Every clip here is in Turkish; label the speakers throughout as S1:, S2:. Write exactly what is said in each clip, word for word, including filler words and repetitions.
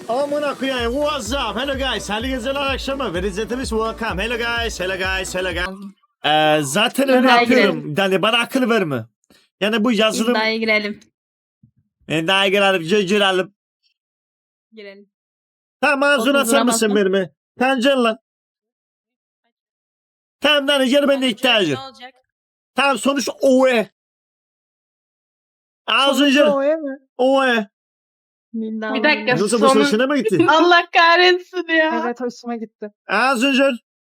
S1: Amına koyayım. What's up? Hello guys. Hayırlı geceler akşamı. Ve izletimiz welcome. Hello guys. Hello guys. Hello guys. Ee, zaten öyle
S2: İddiaya
S1: yapıyorum.
S2: girelim.
S1: Yani bana akıl verme. Yani bu yazılım...
S2: İddiaya girelim.
S1: İddiaya girelim. Gi- Girelim.
S2: Girelim.
S1: Tamam ağzını
S2: otuz
S1: açar mısın
S2: vuramazsın.
S1: benimle? Tamam can lan. Tamam lan gel ben de ihtiyacım.
S3: Ne olacak?
S1: Tamam sonuç oe. Ağzını gel.
S4: Sonucu mi?
S1: Oe.
S2: Bir dakika.
S1: Yoksa bu
S2: Sonu-
S1: hoşuna mı gitti?
S2: Allah kahretsin ya.
S4: Evet hoşuma gitti.
S1: Ağzını gel.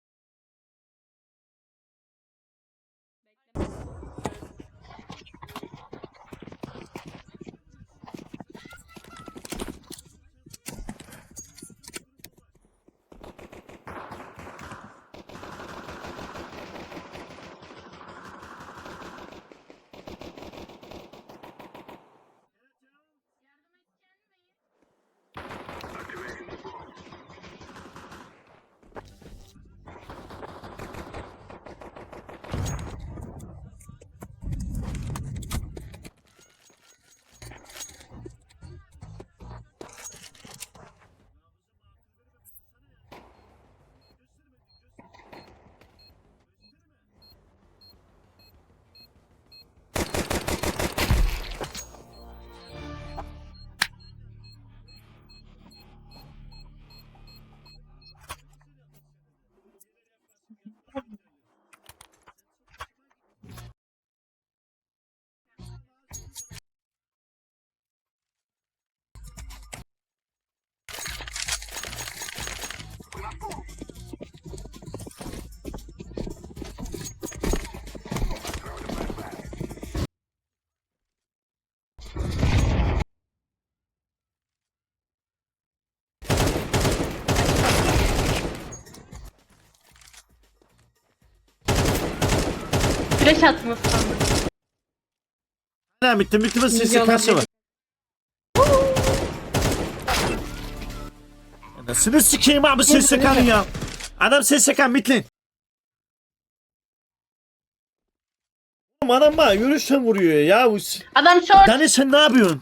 S2: Flash atmış sandım.
S1: Ne bitti bitti mi
S2: Şimdi
S1: sesi karşı
S2: olabilir.
S1: var. Anasını sikeyim abi ses sekanın ya. Adam ses sekan bitlin. Oğlum adam bana yürüyüşten vuruyor ya. Bu s-
S2: Adam short.
S1: Dani sen ne yapıyorsun?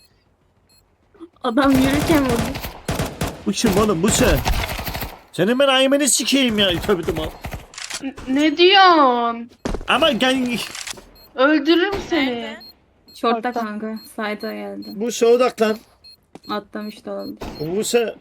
S2: Adam yürürken vurdu.
S1: Bu kim oğlum bu sen? Senin ben ayımını sikeyim ya. Tövbe tövbe.
S2: N- Ne diyorsun?
S1: Ama gel
S2: Öldürürüm seni.
S3: Nerede?
S2: Short'ta
S4: Short'ta.
S2: kanka. Side'a geldi.
S1: bu şey odaklan.
S2: Atlamış da olabilir.
S1: Bu sen.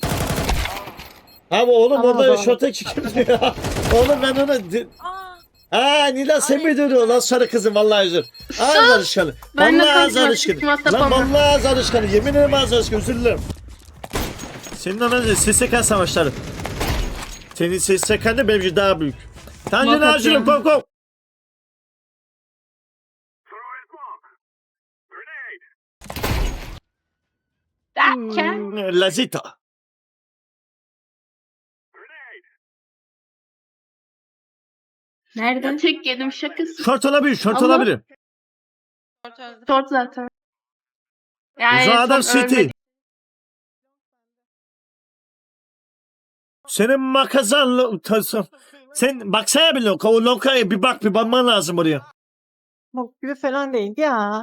S1: Abi oğlum
S4: Ama
S1: orada
S4: adam-
S1: şorta çıkıyor ya. Oğlum ben ona... di-
S3: Aa,
S1: Aa Nida sen mi dönüyor lan sarı kızım vallahi özür. Ağız alışkanı.
S2: Ben de
S1: Vallahi ağız
S2: konuşmak
S1: alışkanı.
S2: istiyorum,
S1: Lan
S2: atlamam.
S1: vallahi ağız alışkanı. Yemin ederim ağız alışkanı özür dilerim. Senin anan S S K savaşları. Senin S S K'nda benimki daha büyük. Tanrı'nın
S2: Muhakkak
S1: ağacını
S2: yani.
S1: kom kom.
S2: Derken.
S1: Lazita.
S2: Nerede? Tek yedim şakası.
S1: Şort olabilir, şort
S2: Allah.
S1: olabilir.
S3: ortada.
S2: Short zaten.
S1: O
S2: Yani
S1: zaman adam
S2: son
S1: City.
S2: ölmedi.
S1: Senin makazanlı... Sen baksana bile o lokaya bir bak bir bakman lazım oraya.
S4: Bok gibi falan değil ya.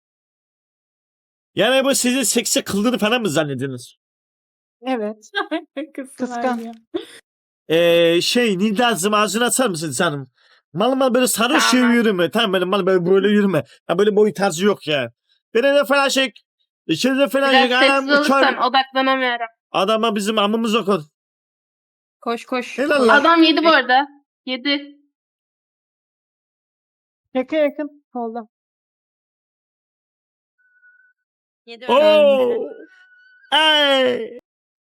S1: Yani bu sizi seksi kıldığını falan mı zannediyorsunuz?
S4: Evet. Kıskan.
S2: ya.
S1: Ee, şey Nidaz'ım ağzını açar mısın canım? Mal mal böyle sarı şey
S2: Tamam.
S1: yürüme. Tamam benim mal böyle, böyle yürüme. Ya böyle boy tarzı yok ya. Beni de falan şey. İçeride falan
S2: Biraz
S1: yok.
S2: sessiz
S1: Anam
S2: olursan
S1: uçar.
S2: odaklanamıyorum.
S1: Adama bizim amımız okul.
S2: Koş koş.
S1: Helal lan.
S2: Adam yedi bu arada. Yedi.
S4: Yakın yakın. Solda.
S3: Yedi
S1: Oo. Ay.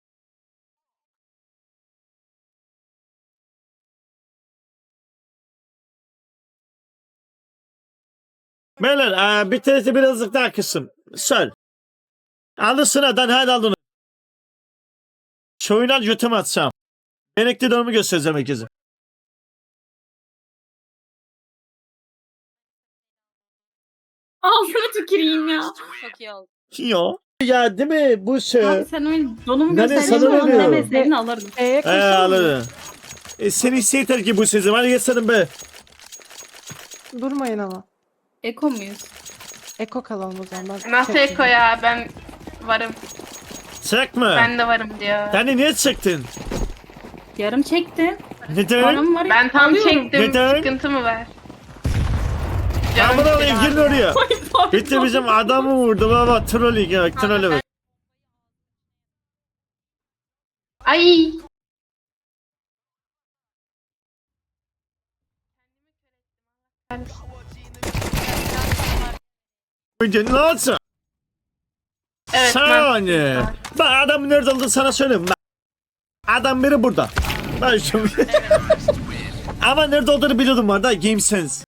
S1: Beyler aa, bir tanesi birazcık daha kısım. Söyle. Alırsın hadi hadi al onu. Şoyundan götümü atsam. Benekli dönümü göstereceğim herkese.
S2: Ağzına tüküreyim ya.
S3: Çok iyi oldu.
S1: Yo. Ya değil mi bu şey?
S2: Abi sen oyun donumu
S1: Ben de
S2: gösterdiğin
S1: sana
S2: zaman
S1: veriyorum.
S2: demeseydin alırdım.
S4: E'ye
S1: He
S4: koşalım.
S1: alırım. E, seni isteyeter ki bu sözüm. Hadi geçelim be.
S4: Durmayın ama.
S2: Eko muyuz?
S4: Eko kalalım o zaman. Ben
S2: Nasıl
S4: çekeyim.
S2: Eko ya ben varım.
S1: Çekme.
S2: Ben de varım diyor.
S1: Yani niye çektin?
S2: Yarım çektim.
S1: Neden?
S2: Varım var.
S5: Ben tam
S2: Alıyorum.
S5: çektim.
S1: Neden?
S5: Sıkıntı mı var?
S1: Aman
S5: Canım
S1: alayım
S5: sıkıldı.
S1: girin oraya.
S2: Ay, pardon.
S1: Bitti bizim adamı vurdu baba. Trolling ya. Trolling bak.
S5: Ay.
S1: Önce ne olsun?
S5: Evet.
S1: Saniye. Bak adam nerede olduğunu sana söyleyeyim. Bak. Adam biri burada. Ben şu... Ama nerede olduğunu biliyordum var da Game Sense.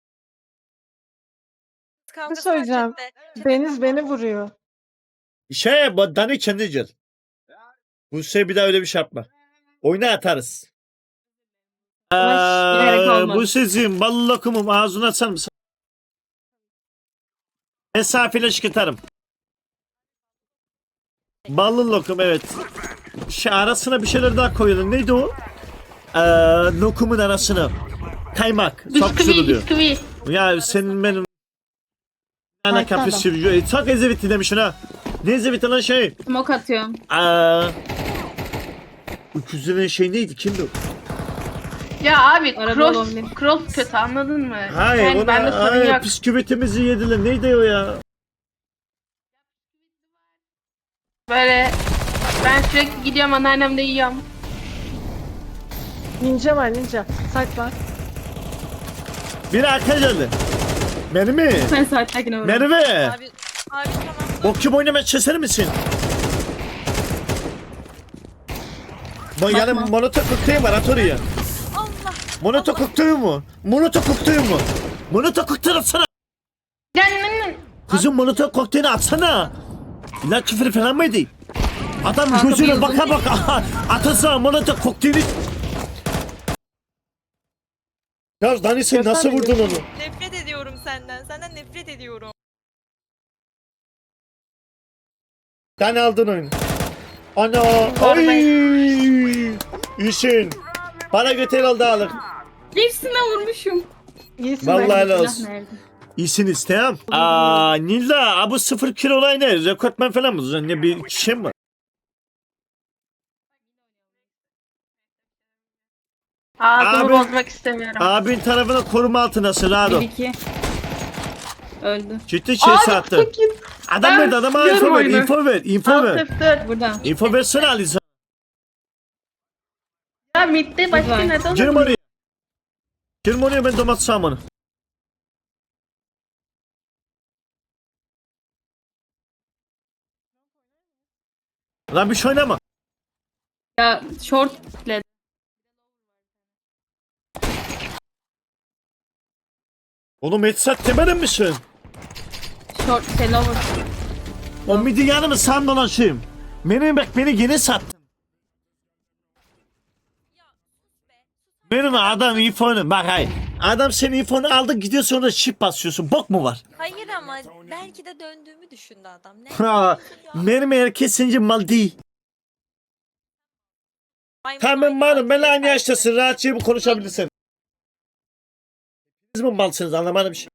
S3: Kavgası
S4: söyleyeceğim.
S3: var chatte.
S4: Deniz beni vuruyor.
S1: Şey bu Dani kendi gel. Bu şey bir daha öyle bir şey yapma. Oyuna atarız.
S2: Ama bilerek
S1: Aa,
S2: olmadı.
S1: bu sizin ballı lokumum ağzını açar mısın? Mesafeyle çıkartarım. Ballı lokum evet. Şey, arasına bir şeyler daha koyalım. Neydi o? Ee, lokumun arasına. Kaymak. Çok güzel
S5: Bisküvi,
S1: oluyor.
S5: bisküvi.
S1: Ya senin benim ana
S4: Harika
S1: kapı
S4: adam.
S1: sürüyor. E, çok ezevitli demişsin ha. Ne ezevitli lan şey?
S2: Smoke atıyorum.
S1: Aa, öküzlerin şey neydi? Kimdi o?
S5: Ya abi
S2: Araba
S5: cross,
S2: olabilir.
S5: cross kötü anladın mı?
S1: Hayır
S5: yani
S1: ona
S5: bende sorun
S1: hayır,
S5: yok.
S1: bisküvitimizi yediler. Neydi o ya?
S5: Böyle ben sürekli gidiyorum anneannem de yiyorum.
S4: Ninja var ninja. Saklan.
S1: Biri arka geldi. Beni mi?
S2: Sen saatlerine vurdum.
S1: Merve.
S3: Abi, abi tamam.
S1: Bokçum oynamaya çeser misin? Bu yani
S2: Bakma.
S1: monotok kokteyl var at oraya.
S3: Allah.
S1: Monotok kokteyl mu? Monotok kokteyl mu? Monotok kokteyl atsana.
S5: Yani
S1: Kızım monotok kokteyli atsana. İlla küfür falan mıydı? Adam
S2: Kanka
S1: gözüne
S2: bir
S1: baka baka atasana monotok kokteyli. Ya Dani sen nasıl vurdun onu?
S3: Nefret ediyorum senden. Senden nefret ediyorum.
S1: Dani aldın oyunu. Ana.
S5: Var
S1: Ay.
S5: ben.
S1: İşin. Bana götür al dağılık.
S2: Hepsine vurmuşum.
S4: İyisin
S1: Vallahi
S4: bak.
S1: helal
S2: Silah
S1: olsun.
S2: nerede?
S1: İyisin isteyem. Aa Nilda abi sıfır kilo olay ne? Rekortmen falan mı? Ne bir şey mi var?
S5: ağzımı
S1: Abi-
S5: bozmak istemiyorum.
S1: Abin tarafına koruma altındasın Rado.
S2: Bir iki. Öldü.
S1: Ciddi şey
S5: Abi
S1: sattı.
S5: çok iyi.
S1: Adam
S5: Ben
S1: verdi adama
S5: biliyorum
S1: info ver,
S5: oyunu.
S1: info ver, info ver.
S5: Alt F dört.
S2: Burada.
S1: İnfo versene Aliza.
S5: Ya midde başka
S2: Güzel.
S5: ne de olur?
S1: Girim oraya. Girim oraya ben domates samanı. Lan bir şey oynama.
S2: Ya short led.
S1: Oğlum headset demedin misin?
S2: Short selover.
S1: O midi yanımı sen dolaşayım. Benim bak beni yeni sattın. Benim adam infonu bak hayır. Adam senin infonu aldı gidiyor sonra şip basıyorsun. Bok mu var?
S3: Hayır ama belki de döndüğümü düşündü adam. Ne?
S1: Ha, benim herkesince mal değil.
S3: Maymun
S1: Tamam
S3: oyunu
S1: malum ben
S3: var.
S1: aynı yaştasın rahatça bu konuşabilirsin. Siz mi malsınız anlamadım bir şey.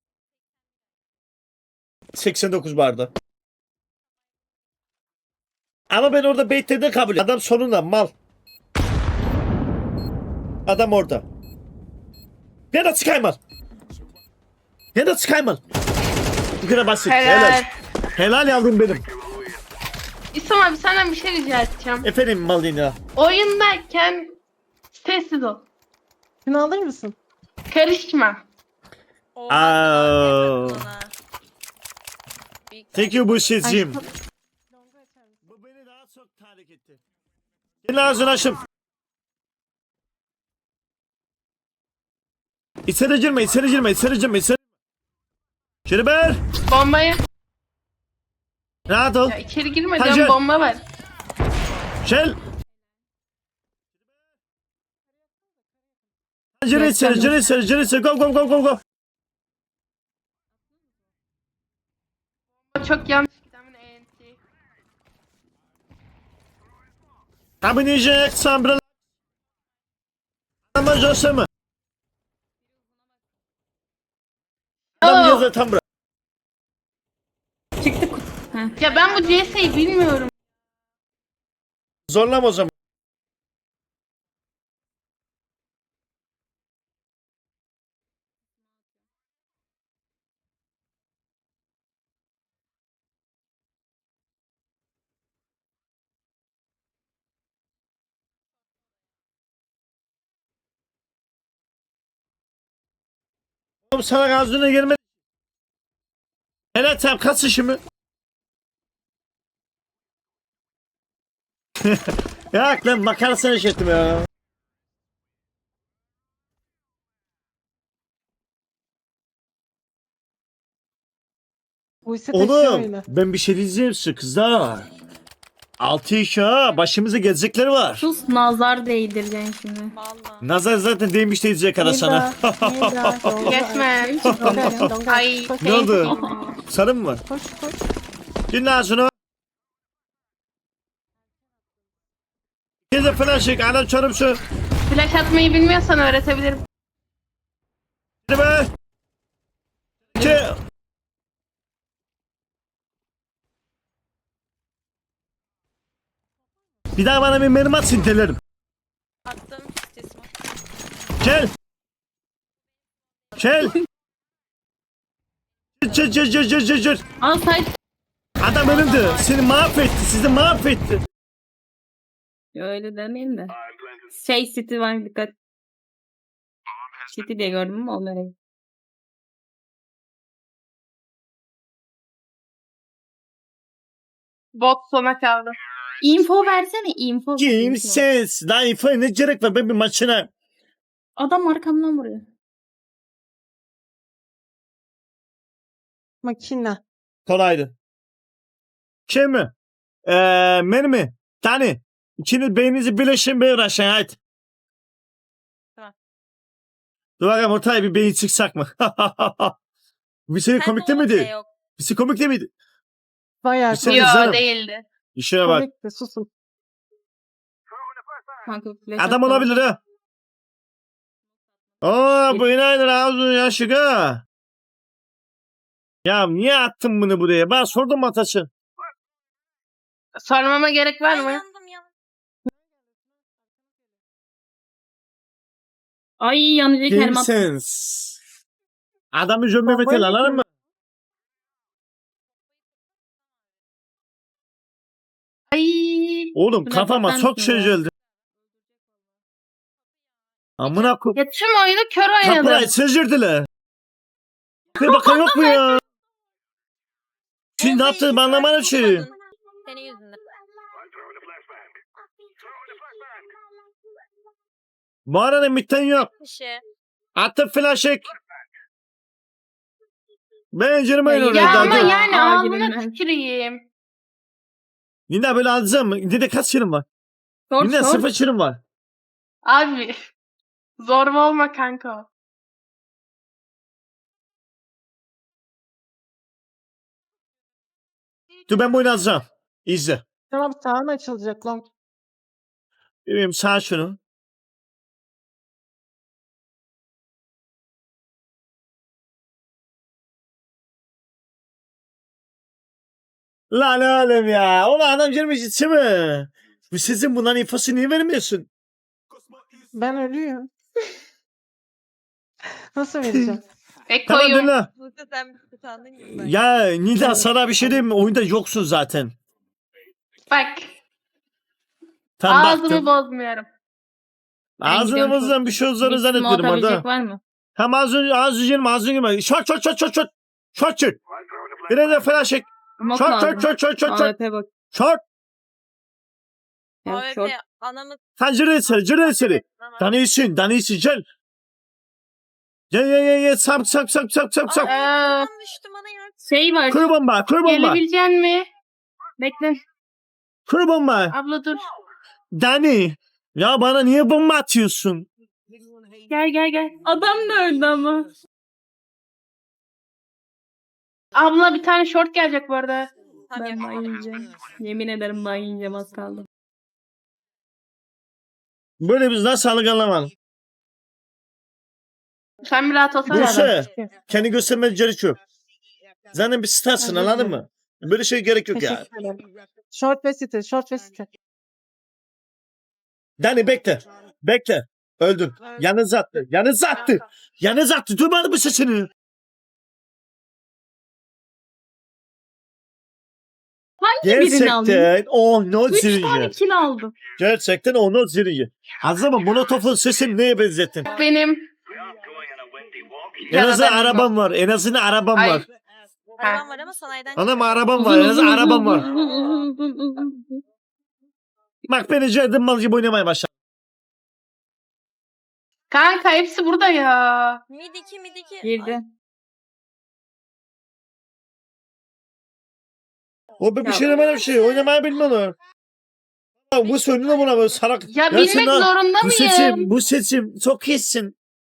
S1: seksen dokuz barda. Ama ben orada beytlerde kabul ediyorum. Adam sonunda mal. Adam orada. Ya da çıkaymal. Ya da çıkaymal. Bu kadar basit. Helal.
S5: Helal.
S1: Helal yavrum benim.
S5: İslam abi senden bir şey rica edeceğim.
S1: Efendim mal ya.
S5: Oyundayken sessiz ol.
S4: Şunu alır mısın?
S5: Karışma.
S3: Oha,
S1: Aa.
S3: nefret ona. Büyük
S1: Thank you bu sizcim. Bu beni daha çok tahrik etti. Senin ağzını açım. İçeri girme, içeri girme, içeri girme, içeri. Şeriber,
S5: Bombayı.
S1: rahat ol.
S5: Ya içeri girme
S1: Hacer.
S5: diyorum bomba var.
S1: Gel. Gir içeri, gir içeri, gir içeri. Go, go, go, go, go.
S5: O çok yanlış giden E N T.
S1: Abi niye sambra? Ama Jose mi? Adam
S5: Oo.
S1: yazıyor tam bırak.
S2: Çıktı. Heh.
S5: Ya ben bu C S'yi bilmiyorum.
S1: Zorlama o zaman. Oğlum sana gazlığına gelmedi. Evet sen kaç işimi? Ya lan makarasını işittim ya.
S4: Bu ise taşıyor
S1: Oğlum
S4: oyunu.
S1: ben bir şey diyeceğim size kızlar. Altı iş ha başımıza gelecekleri var.
S2: Sus nazar değdireceksin şimdi.
S3: Vallahi.
S1: Nazar zaten değmiş diyecek ara sana.
S5: Geçme. Ay.
S1: Ne oldu? Sarı mı var?
S4: Koş koş.
S1: Dinle ağzını. Geze falan çek anam çarım şu.
S5: Flash atmayı bilmiyorsan öğretebilirim.
S1: Hadi be. Ki. Bir daha bana bir mermi at sintelerim.
S3: Attım sesimi.
S1: Gel. Gel. Gel gel gel gel gel gel.
S2: Al say.
S1: Adam önümde. Seni mahvetti. Sizi mahvetti.
S2: Öyle demeyin de. Şey City var dikkat. City diye gördüm ama onları.
S5: Bot sona kaldı.
S2: Info versene info. info.
S1: Kimsiz. Lan info ne gerek var ben bir maçına.
S2: Adam arkamdan vuruyor.
S4: Makine.
S1: Kolaydı. Şey mi? Eee mermi. Tane. İkiniz beyninizi birleştirin bir uğraşın hadi.
S3: Tamam.
S1: Dur bakalım ortaya bir beyin çıksak mı? Bir şey komik değil
S3: Sende o
S1: miydi?
S3: şey yok.
S1: Bir şey komik değil miydi?
S4: Bayağı
S1: Bir şey-
S5: Yo
S1: Güzelim.
S5: değildi.
S1: İşine bak.
S4: komikti, susun.
S2: Kanka flash
S1: Adam
S2: attı.
S1: olabilir ha. Oo bu inaydır ağzını yaşık ha. Ya niye attın bunu buraya? Ben sordum Ataş'ı.
S5: Sormama gerek var
S3: Ay
S5: mı?
S3: yandım yandım.
S2: Ay yanıcı kelime attı.
S1: Kimsiniz? Adamı cömbe
S4: Bombayı
S1: metal
S4: mı
S1: alalım mı?
S5: Ay.
S1: Oğlum
S2: Şuna
S1: kafama
S2: bakar
S1: çok
S2: mısın
S1: şey
S2: ya?
S1: geldi. Amına koy.
S5: Ya tüm oyunu kör
S1: Kapıları
S5: oynadım.
S1: sezirdiler. Bir bakan yok mu ya? Şimdi ne
S3: Bombayı
S1: yaptın
S3: iki
S1: ben anlamadım
S3: saat
S1: şeyi.
S3: tutmadın. Senin yüzünden.
S1: Bu arada mitten yok.
S3: Bir şey.
S1: Attım flash'ek. Ben canım
S2: Ya
S1: oyun
S5: Ya
S1: oraya
S5: ama
S1: daldı.
S5: yani
S2: Aa,
S5: ağzına
S2: girilmez.
S5: tüküreyim.
S1: Yine böyle alacağım. Yine de kaç şirin var?
S2: Short
S1: Yine
S2: short.
S1: sıfır şirin var.
S5: Abi. Zorba olma kanka.
S1: Dur ben bu oyunu alacağım. İzle.
S4: Tamam sağın açılacak long.
S1: Benim sağ şunu. Lan oğlum ya. Ulan adam girmiş içi mi? Bu sizin bunların infosu niye vermiyorsun?
S4: Ben ölüyorum. Nasıl vereceğim?
S1: Tamam
S5: Ekoyum.
S1: dinle.
S3: Buse sen bir utandın gibi. ben.
S1: Ya Nida sana bir şey diyeyim mi? Oyunda yoksun zaten.
S5: Bak.
S1: Tam
S5: Ağzımı
S1: baktım.
S5: bozmuyorum.
S2: Ben gidiyorum
S1: Ağzımızdan bir şey olacağını
S2: Bir smoke
S1: zannetmiyorum
S2: atabilecek
S1: orada.
S2: var mı?
S1: Hem ağzını ağzını yerim ağzını yerim. Şort şort şort şort şort. Şort şort. Biraz da flash çek.
S2: Smoke
S1: Şort
S2: lazım.
S1: şort şort şort şort
S2: A
S1: şort.
S2: W P bak.
S1: Şort.
S2: Ya,
S3: A W P
S2: short.
S3: anamı
S1: Sen cırı içeri cırı içeri. Danıyorsun danıyorsun gel. Gel gel gel gel sap sap sap sap sap sap.
S5: Ee,
S3: Ay düştü bana ya.
S2: Şey var.
S1: Kur bomba kur bomba.
S5: gelebilecek mi? Bekle.
S1: Kur bomba.
S5: Abla dur.
S1: Dani. Ya bana niye bomba atıyorsun?
S5: Gel gel gel.
S2: Adam da öldü ama.
S5: Abla bir tane short gelecek bu arada.
S3: Tam
S2: Ben ban yiyeceğim. Yemin ederim ban yiyeceğim az kaldı.
S1: Böyle biz nasıl sağlık anlamadım.
S5: Sen bir rahat olsana.
S1: Buse. Kendi göstermeye gerek yok. Zaten bir starsın
S4: Özür
S1: anladın
S4: dilerim.
S1: mı? Böyle şey gerek yok ya.
S4: Teşekkür ederim. Short ve city, short ve city.
S1: Dani bekle. Bekle. Öldün. Yanınıza attı. Yanınıza attı. Yanınıza attı. Duymadı mı sesini?
S2: Hangi birini alayım?
S1: Gerçekten onu
S2: Üç tane
S1: ziriyi.
S2: kill aldım.
S1: Gerçekten onu ziriyi. Azama Molotov'un sesini neye benzettin?
S5: Benim.
S1: En azından
S5: Yaradan
S1: arabam var. En azından arabam
S5: Ay.
S1: var.
S3: Arabam var ama sanayiden
S1: Anam arabam var. En azından arabam var. Bak beni Cerdin mal gibi oynamaya başladı.
S5: Kanka hepsi burada ya.
S3: Mid iki mid iki.
S2: Girdi.
S1: O bir
S2: Ya.
S1: şey demem bir şey. Oynamayı bilmiyorlar. Ya bu söylüyor buna böyle sarak.
S5: Ya,
S1: Ya
S5: bilmek
S1: sen lan-
S5: zorunda
S1: Bu
S5: mıyım?
S1: seçim, bu seçim çok iyisin.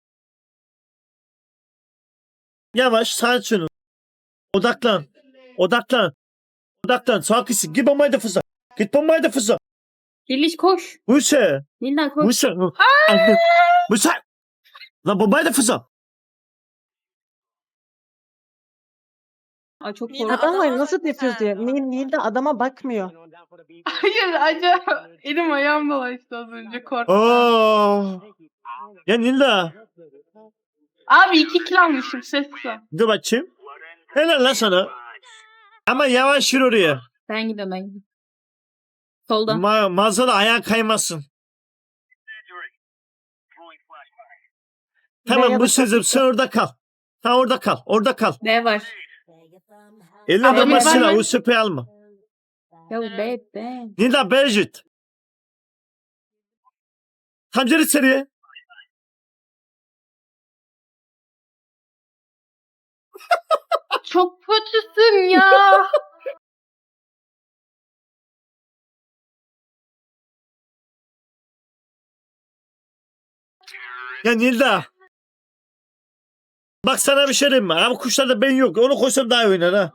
S1: Yavaş sağa şunu. Odaklan. Odaklan. Odaklan. Çok iyisin. Git bombayı da fıza. Git bombayı da fıza.
S2: Diliş koş.
S1: Bu şey.
S2: Nildan koş.
S1: Bu şey. Bu şey. Lan bombayı da fıza.
S2: Ay çok
S3: Nildan
S2: korktum.
S4: Adamlar
S3: adama
S4: nasıl
S3: bakma
S4: defuse
S3: sen.
S4: diyor. Nil, Nil de adama bakmıyor.
S5: Hayır acaba elim ayağım dolaştı az önce korktum.
S1: Oo. Ya Nilda.
S5: Abi iki kill almışım sesle.
S1: Dur bakayım. Helal lan sana. Ama yavaş yürü oraya.
S2: Ben gidiyorum ben gidiyorum. Solda.
S1: Ma mağazada ayağın kaymasın. Tamam
S4: Veya
S1: bu
S4: da
S1: sözüm sen orada kal. Sen orada kal. Orada kal.
S2: B var.
S1: Eline
S5: Abi,
S1: adamı
S5: var
S1: silah.
S5: mı?
S1: O süpeyi alma.
S2: Ya B B.
S1: Nilda Berjit. Tam geri içeriye.
S5: Çok kötüsün ya.
S1: Ya Nilda. Bak sana bir şey diyeyim mi? Abi kuşlarda ben yok. Onu koysam daha iyi oynar ha.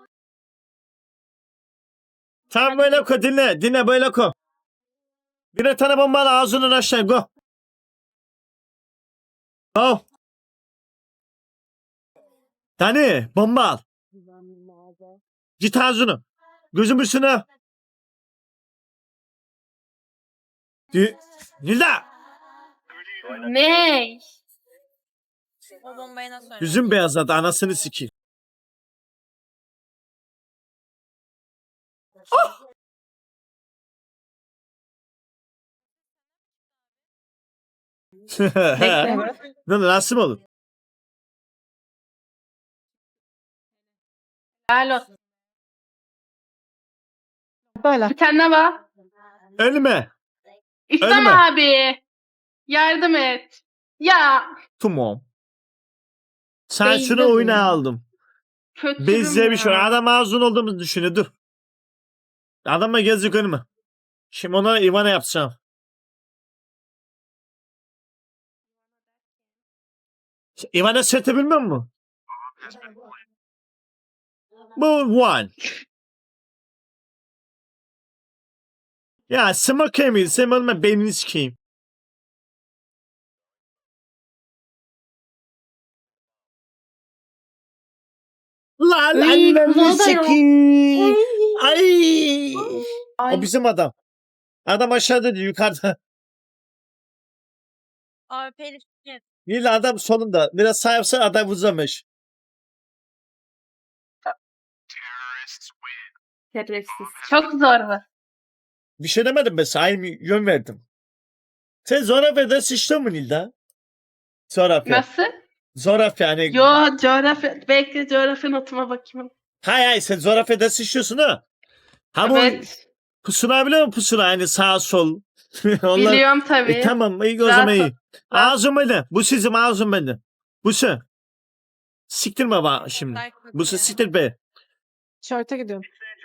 S1: Tamam böyle ko dinle. Dinle böyle ko. Bir tane bomba al ağzından aşağı go. Go. Dani bomba al. Git ağzını. Gözüm üstüne. Di- Nilda.
S5: Ne?
S3: O bombayı nasıl oynadın?
S1: Yüzüm beyazladı anasını sikeyim.
S2: Bekle.
S1: Ne nasıl mı olur?
S5: Helal olsun.
S4: Böyle.
S5: Bir tane var.
S1: Ölme.
S5: İstem
S1: Ölme.
S5: abi. Yardım et. Ya.
S1: Tamam. Sen
S2: Beyzde
S1: şunu oyuna
S2: bu.
S1: aldım.
S5: Kötürüm
S1: Bezle bir şey.
S5: ya.
S1: Adam ağzın olduğumuzu düşünüyor. Dur. Adamla gezdik önüme. Şimdi ona Ivana yapacağım. Ivana seti bilmiyor musun? Bu one. Ya smoke yemeyin. Sen olma beynini sikeyim. Lan
S2: Ay,
S1: annemi
S2: kumanda yok.
S1: sikeyim. Ay.
S2: Ay.
S1: O bizim adam. Adam aşağıda değil yukarıda.
S3: A W P'li şirket.
S1: Yine adam sonunda. Biraz sağ yapsa adam uzamış.
S2: Şerefsiz.
S5: Çok zor bu.
S1: Bir şey demedim ben sana. Aynı yön verdim. Sen Zorafya'da sıçtın mı Nilda? Zorafya.
S5: Nasıl?
S1: Zorafya yani.
S5: Yo coğrafya. Bekle coğrafya notuma bakayım.
S1: Hay hay sen Zorafya'da sıçıyorsun ha. Ha bu
S5: Evet.
S1: pusula biliyor musun pusula? Yani sağ sol. Onlar...
S5: Biliyorum tabii.
S1: E, tamam iyi o
S5: Rahat
S1: zaman
S5: ol.
S1: iyi.
S5: Rahat.
S1: Ağzım bende. Bu sizin ağzım bende. Bu sen. Siktirme bak şimdi.
S3: Dark
S1: Bu sen siktir be.
S4: Short'a gidiyorum.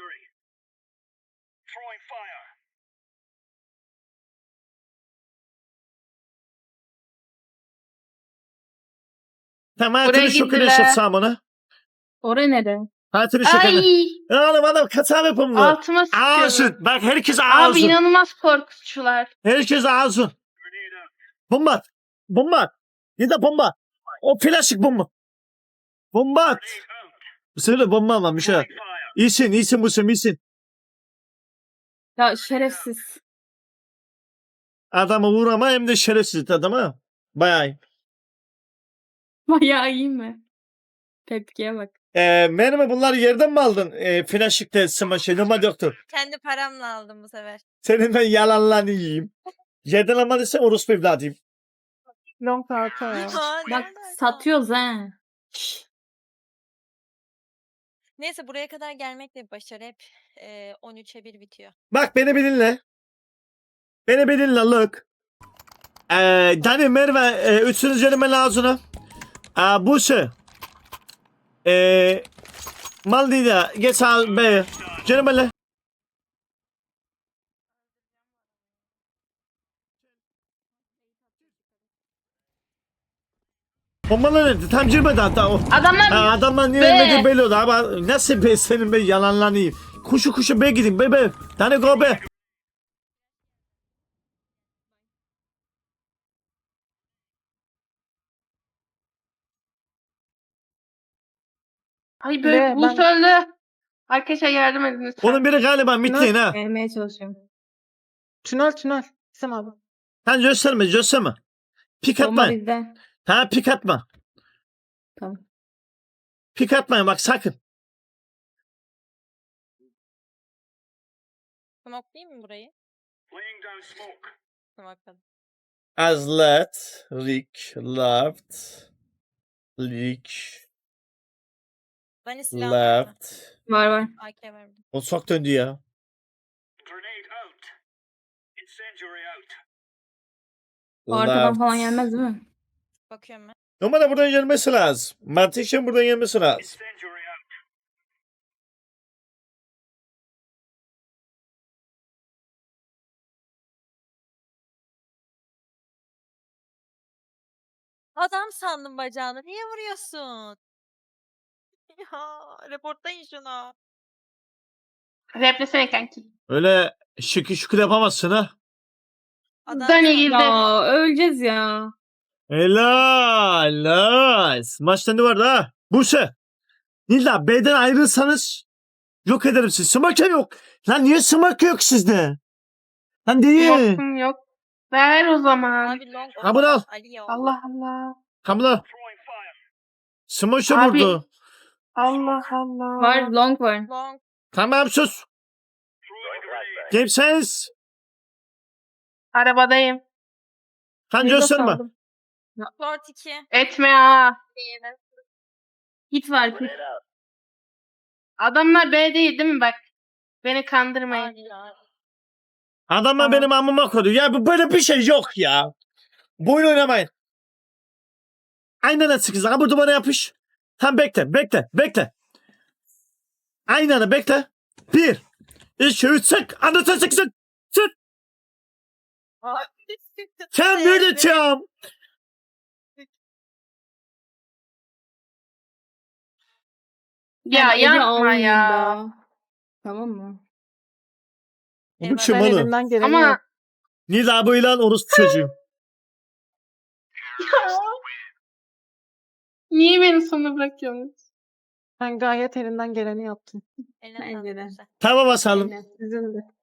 S1: Tamam
S5: Buraya
S1: hayatını şokunu
S5: gittiler.
S1: yaşatsam ona.
S2: Oraya nere?
S1: Hayatını şokunu.
S5: Ay.
S1: Oğlum adam kasap yapımlı.
S5: Altıma sıkıyorum.
S1: Ağzın. Bak herkes
S5: Abi
S1: ağzın.
S5: inanılmaz korkutucular.
S1: Herkes ağzın. Bomba at. Bomba at. Nida bomba. O plastik bomba. Bomba at. Bu sefer de bomba almamış ha. İyisin iyisin bu sen iyisin.
S2: Ya şerefsiz.
S1: Adamı vurama hem de şerefsiz adama. Bayağı iyi.
S2: Bayağı iyi mi? Tepkiye bak.
S1: Ee, mermi bunları yerden mi aldın? Ee, Flaşık'ta smaşı. Normal doktor.
S3: Kendi paramla aldım bu sefer.
S1: Senin ben yalanlarını yiyeyim. Yerden almadıysan orospu evladıyım.
S4: Long tarafı ya.
S3: Aa, ne
S2: Bak
S3: alaka?
S2: satıyoruz ha.
S3: Neyse buraya kadar gelmek de bir başarı. Hep e, on üçe bir bitiyor.
S1: Bak beni bir dinle. Beni bir dinle look. Ee, Dani Merve e, üçüncü kelime lazım. Aa, bu şey. Ee, Maldita geç al be. Canım Bombalar nerede? Tam girmedi hatta o.
S5: Adamlar
S1: Ha, adamlar niye
S5: Be.
S1: ölmedi belli oldu ama nasıl be senin be yalanlarını yiyeyim. Kuşu kuşu be gidin be be. Tane go be.
S5: Ay böyle
S4: Be,
S5: bu
S4: ben-
S5: söyledi. Arkadaşlar yardım edin lütfen.
S1: Onun biri galiba mitleyin ha.
S2: Gelmeye çalışıyorum.
S4: Tünel tünel. İsem abi.
S1: Sen gösterme gösterme. Pik
S2: Bomba
S1: atmayın.
S2: bizde.
S1: Ha pik atma.
S2: Tamam.
S1: Pik atmayın bak sakın.
S3: Smoke'layayım mı burayı? Smoke'ladım.
S1: As let, Rick, left, Rick,
S3: Bani silah var mı?
S1: left.
S2: Var var.
S3: A K var burada.
S1: O sok döndü ya.
S2: O arkadan
S1: Left.
S2: falan gelmez değil mi?
S3: Bakıyorum ben.
S1: Normalde buradan gelmesi lazım. Mantıken buradan gelmesi lazım.
S3: Adam sandım bacağını. Niye vuruyorsun? Ya reportlayın şunu.
S5: Replesene kanki.
S1: Öyle şıkı şıkı yapamazsın ha.
S3: Adam
S5: Dani
S3: sandım.
S5: girdi.
S2: Ya öleceğiz ya.
S1: Helal. Nice. Maçta ne vardı ha? Buse. Nilda B'den ayrılsanız yok ederim sizi. Smaka yok. Lan niye smaka yok sizde? Lan değil.
S5: Yoksun yok. Ver o zaman.
S3: Abi long.
S1: Ha, bunu al.
S3: Ali ya.
S5: Allah Allah.
S1: Kamla. Smaş'a
S5: Abi.
S1: vurdu.
S5: Allah Allah.
S2: Var long var.
S3: Long.
S1: Tamam sus. Game sense.
S5: Arabadayım.
S1: Kan
S2: Windows
S1: gösterme.
S2: aldım.
S3: Short iki.
S5: Etme ha.
S2: Hit var hit.
S5: Adamlar B değil değil mi bak? Beni kandırmayın.
S3: Ali abi.
S1: Adamlar
S5: Tamam.
S1: benim amıma koydu. Ya bu böyle bir şey yok ya. Bu oyun oynamayın. Aynen öyle sıkız. Ha bu duvara yapış. Tam bekle, bekle, bekle. Aynen öyle bekle. Bir, iki, üç, sık. Anlatın sık sık. Sık. Sen ne diyeceğim?
S5: Ya
S2: Ben eli
S5: yapma
S2: almayayım
S5: ya.
S2: da. Tamam mı?
S1: Bu
S3: Eyvah.
S1: kim
S4: Ben
S1: oğlum?
S4: elimden geleni
S5: Ama
S4: yap-
S1: Nida bu ilan orospu çocuğu.
S5: niye beni sona bırakıyorsunuz?
S4: Ben gayet elimden geleni yaptım.
S3: Eline
S2: Bence
S3: sağlık
S2: de.
S3: güzel.
S1: Tamam basalım.
S2: Aynen.
S4: Sizin de.